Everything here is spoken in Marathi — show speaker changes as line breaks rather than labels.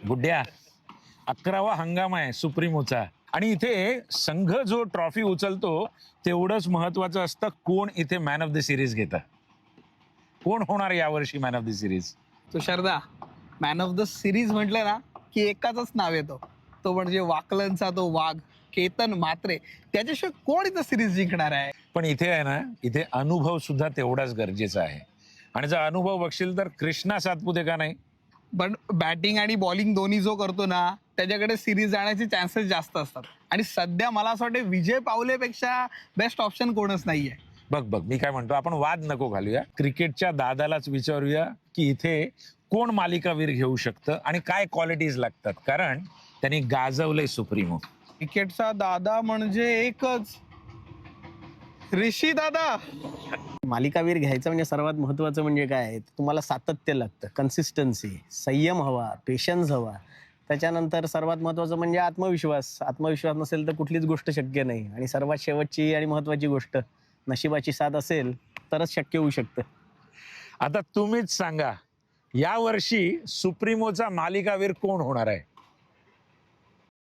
गुड्ड्या, 11वा हंगाम आहे सुप्रीमोचा आणि इथे संघ जो ट्रॉफी उचलतो तेवढंच महत्वाचं असतं कोण इथे मॅन ऑफ द सिरीज घेतं. कोण होणार यावर्षी मॅन ऑफ द सिरीज?
तुषारदा, मॅन ऑफ द सिरीज म्हटलं ना की एकाच नाव येतो, तो म्हणजे वाकलनचा तो वाघ केतन म्हात्रे. त्याच्याशिवाय कोण इथं सिरीज जिंकणार आहे?
पण इथे आहे ना, इथे अनुभव सुद्धा तेवढाच गरजेचा आहे. आणि जर अनुभव बघशील तर कृष्णा सातपुते का नाही?
पण बॅटिंग आणि बॉलिंग दोन्ही जो करतो ना, त्याच्याकडे सिरीज जाण्याचे चान्सेस जास्त असतात. आणि सध्या मला असं वाटतं विजय पावलेपेक्षा बेस्ट ऑप्शन कोणच नाहीये.
बघ बघ, मी काय म्हणतो, आपण वाद नको घालूया. क्रिकेटच्या दादालाच विचारूया की इथे कोण मालिकावीर घेऊ शकतं आणि काय क्वालिटीज लागतात, कारण त्यांनी गाजवलंय सुप्रीमो.
क्रिकेटचा दादा म्हणजे एकच, ऋषी दादा.
मालिकावीर घ्यायचं म्हणजे सर्वात महत्त्वाचं म्हणजे काय आहे, तुम्हाला सातत्य लागतं, कन्सिस्टन्सी, संयम हवा, पेशन्स हवा. त्याच्यानंतर सर्वात महत्त्वाचं म्हणजे आत्मविश्वास. आत्मविश्वास नसेल तर कुठलीच गोष्ट शक्य नाही. आणि सर्वात शेवटची आणि महत्त्वाची गोष्ट, नशिबाची साथ असेल तरच शक्य होऊ शकतं.
आता तुम्हीच सांगा, यावर्षी सुप्रीमोचा मालिकावीर कोण होणार आहे?